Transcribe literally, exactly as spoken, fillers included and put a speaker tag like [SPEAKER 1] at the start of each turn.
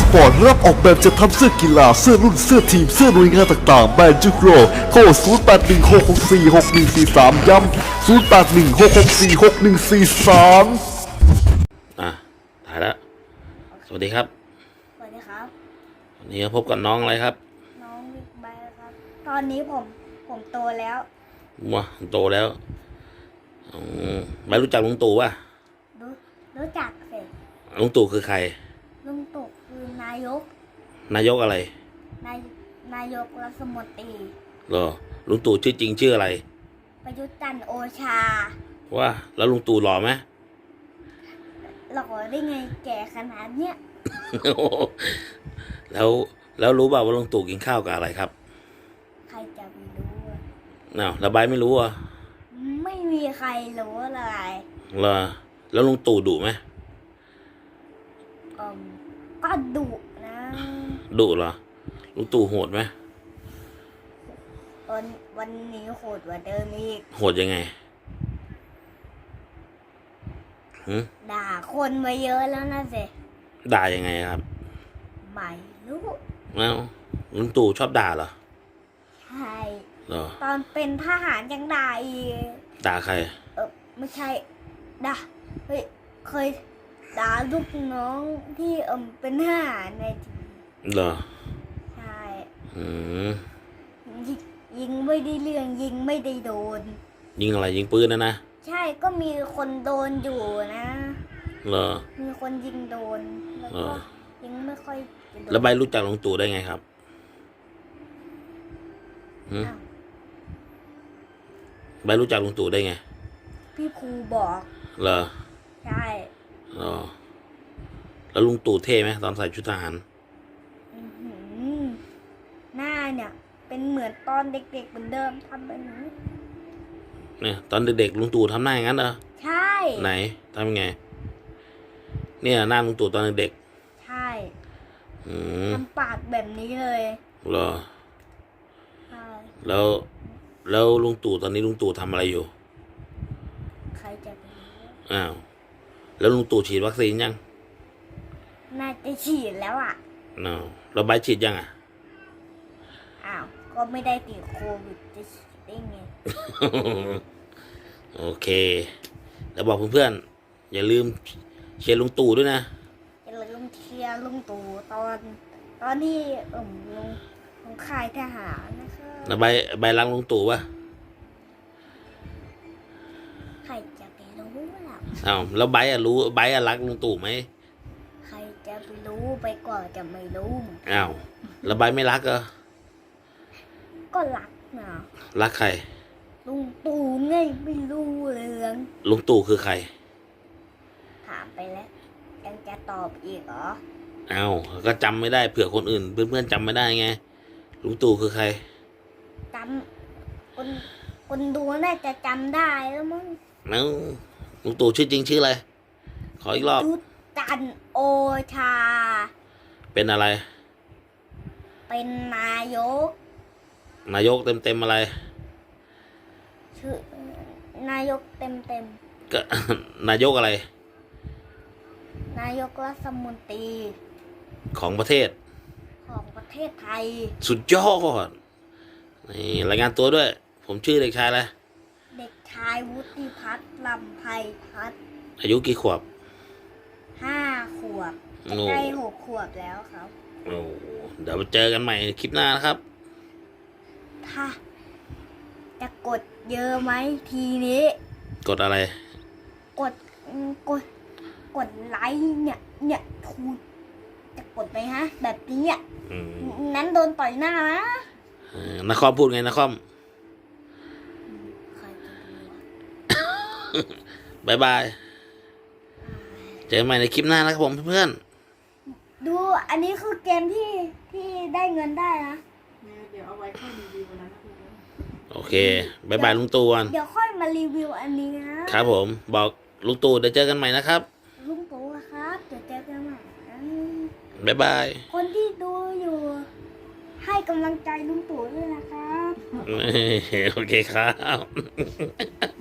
[SPEAKER 1] ปอร์ตรับออกแบบจะทำเสื้อกีฬาเสื้อรุ่นเสื้อทีมเสื้อหน่วยงานต่างๆแบรนด์จุกโรโทรศูนย์ แปด หนึ่ง หก หก สี่ หก หนึ่ง สี่ สามย้ำศูนย์ แปด หนึ่ง หก หก สี่ หก หนึ่ง สี่ สาม
[SPEAKER 2] อ่ะถ่ายแล้วสวัสดีครับ
[SPEAKER 3] สวัสดีครับ
[SPEAKER 2] วันนี้พบกับน้องอะไรครับ
[SPEAKER 3] น้องบิ๊กไบค์ครับ ตอนนี้ผมผมโตแล้ว
[SPEAKER 2] ว้าโตแล้วอืมไม่รู้จักลุงตู่ป่ะ
[SPEAKER 3] รู้รู้จักสิ
[SPEAKER 2] ลุงตู่คือใคร
[SPEAKER 3] ลุงตู่คือนายก
[SPEAKER 2] นายกอะไร
[SPEAKER 3] นายนายกรัฐมนตรี
[SPEAKER 2] เหรอลุงตู่ชื่อจริงชื่ออะไร
[SPEAKER 3] ประยุทธ์จันทร์โอชา
[SPEAKER 2] ว่าแล้วลุงตู่หล่อไหม
[SPEAKER 3] หล่อได้ไงแก่ขนาดเนี้ย
[SPEAKER 2] แล้วแล้วรู้เปล่าว่าลุงตู่กินข้าวกับอะไรครับ
[SPEAKER 3] ใครจะไปรู้อะ
[SPEAKER 2] อ้าวแล้วใบร์ทไม่รู้อ่ะ
[SPEAKER 3] ไม่มีใครรู้เลย
[SPEAKER 2] เหรอแล้วลุงตู่ดุไหม
[SPEAKER 3] อืมก็ดุนะ
[SPEAKER 2] ดุเหรอลุงตู่โหดไหม
[SPEAKER 3] วันวันนี้โหดกว่าเดิมอีก
[SPEAKER 2] โหดยังไงหืม
[SPEAKER 3] ด่าคนมาเยอะแล้วนะสิ
[SPEAKER 2] ด่ายังไงครับ
[SPEAKER 3] ไม่รู้
[SPEAKER 2] แล้วลุงตู่ชอบด่าเหรอ
[SPEAKER 3] ใช่
[SPEAKER 2] เหรอ
[SPEAKER 3] ตอนเป็นทหารยังด่าอีก
[SPEAKER 2] ด่าใคร
[SPEAKER 3] เออไม่ใช่ด่าเฮ้ยเคยด่าลูกน้องที่เอมเป็นทหารในทีวี
[SPEAKER 2] เหรอ
[SPEAKER 3] ใช่
[SPEAKER 2] อืม
[SPEAKER 3] ยิงยิงไม่ได้เรื่องยิงไม่ได้โดน
[SPEAKER 2] ยิงอะไรยิงปืนนะนะ
[SPEAKER 3] ใช่ก็มีคนโดนอยู่นะ
[SPEAKER 2] เหรอ
[SPEAKER 3] มีคนยิงโดนแล้ว
[SPEAKER 2] เอ
[SPEAKER 3] ก็
[SPEAKER 2] อ
[SPEAKER 3] ยิงไม่ค่อยจะโดน
[SPEAKER 2] แล้วใบรู้จักลุงตู่ได้ไงครับหืม
[SPEAKER 3] อ้าว
[SPEAKER 2] ใบรู้จักลุงตู่ได้ไง
[SPEAKER 3] พี่ครูบอก
[SPEAKER 2] เหรอ
[SPEAKER 3] ใช่
[SPEAKER 2] เหรอแล้วลุงตู่เท่ไหมตอนใส่ชุดทหาร
[SPEAKER 3] อื้อหือหน้าเนี่ยเป็นเหมือนตอนเด็กๆเหมือนเดิมทำแบบนี้
[SPEAKER 2] เนี่ยตอนเด็กๆลุงตู่ทำหน้าอย่างนั้นเหรอ
[SPEAKER 3] ใช่
[SPEAKER 2] ไหนทำยังไง เนี่ยหน้าลุงตู่ตอนเด็ก
[SPEAKER 3] ใช่
[SPEAKER 2] ๆอืม
[SPEAKER 3] ทำปากแบบนี้เลย
[SPEAKER 2] เหรอ
[SPEAKER 3] ใช่
[SPEAKER 2] แล้วแล้วลุงตู่ตอนนี้ลุงตู่ทำอะไรอยู่
[SPEAKER 3] ใครจะไปรู้
[SPEAKER 2] อ้าวแล้วลุงตู่ฉีดวัคซีนยัง
[SPEAKER 3] น่าจะฉีดแล้วอ่ะ
[SPEAKER 2] อ้าวแล้วใบฉีดยังอ่ะ
[SPEAKER 3] อ้าว ก็ไม่ได้ติดโควิดจะฉีดได้ไง
[SPEAKER 2] โอเค แล้วบอกเพื่อนๆอย่าลืมเชียร์ลุงตู่ด้วยนะ
[SPEAKER 3] อย่าลืมเชียร์ลุงตู่ตอน ตอนที่เอ่มลงลงค่ายทหารนะคะ
[SPEAKER 2] แล้วใบใบรังลุงตู่ปะ
[SPEAKER 3] ใครจะไปรู้ล่ะ
[SPEAKER 2] อ้าวแล้วใบอะรู้ใบอะรักลุงตู่ไหม
[SPEAKER 3] ใครจะไปรู้ไปก่อนจะไม่รู้
[SPEAKER 2] อ้าวแล้วใบไม่รักเหรอ
[SPEAKER 3] ก็รักนะ
[SPEAKER 2] รักใคร
[SPEAKER 3] ลุงตู่ไงไม่รู้เรื่อง
[SPEAKER 2] ลุงตู่คือใคร
[SPEAKER 3] ถามไปแล้ว ยังจะตอบอีกเหรอ
[SPEAKER 2] อ้าวก็จำไม่ได้เผื่อคนอื่น เพื่อนๆจำไม่ได้ไงลุงตู่คือใคร
[SPEAKER 3] จำคนคนดูน่าจะจำได้แล้วมั้ง
[SPEAKER 2] เอ้าลุงตู่ชื่อจริงชื่ออะไรขออีกรอบ
[SPEAKER 3] ยุทธจันทร์โอชา
[SPEAKER 2] เป็นอะไร
[SPEAKER 3] เป็นนายก
[SPEAKER 2] นายกเต็มเต็มๆอะไร
[SPEAKER 3] ชื่อนายกเต็มเต็ม
[SPEAKER 2] ก็ นายกอะไร
[SPEAKER 3] ๆนายกรัฐมนตรี
[SPEAKER 2] ของประเทศ
[SPEAKER 3] ของประเทศไทย
[SPEAKER 2] สุดยอดนี่รายงานตัวด้วย ผมชื่อเด็กชายอะไร
[SPEAKER 3] เด็กชายวุฒิพัฒน์ลำไพพัฒน์
[SPEAKER 2] อายุกี่ขวบ
[SPEAKER 3] ห้าขวบ
[SPEAKER 2] โอ้
[SPEAKER 3] ใกล้หกขวบแล้วครับ
[SPEAKER 2] โอ้เดี๋ยวมาเจอกันใหม่คลิปหน้านะครับ
[SPEAKER 3] ถ้าจะกดเยอะไหมทีนี้
[SPEAKER 2] กดอะไร
[SPEAKER 3] กดอืมกด กดไลค์เนี่ย เนี่ยทูจะกดไหมฮะ แบบนี้อ่ะ
[SPEAKER 2] อืม
[SPEAKER 3] นั้นโดนต่อยหน้านะ
[SPEAKER 2] เออนครพูดไงนคร
[SPEAKER 3] ใครจะรู้อะ
[SPEAKER 2] บายบาย เจอกันใหม่ในคลิปหน้านะครับผมเพื่อน
[SPEAKER 3] ดูอันนี้คือเกมที่ที่ได้เงินได้นะ
[SPEAKER 4] เดี๋ยวเอาไว้ค่อยรีวิววันนั้นนะคุณ
[SPEAKER 2] ๆโอเคบายบายลุงตู่กัน
[SPEAKER 3] เดี๋ยวค่อยมารีวิวอันนี้นะครับ
[SPEAKER 2] ผมบอกลุงตู่เดี๋ยวเจอกันใหม่นะครับ
[SPEAKER 3] ลุงตู่ครับเดี๋ยวเจอกันใหม่นะ
[SPEAKER 2] บายบาย
[SPEAKER 3] คนที่ดูอยู่ ให้กำลังใจลุงตู่ด้วยนะครับ
[SPEAKER 2] โอเคครับ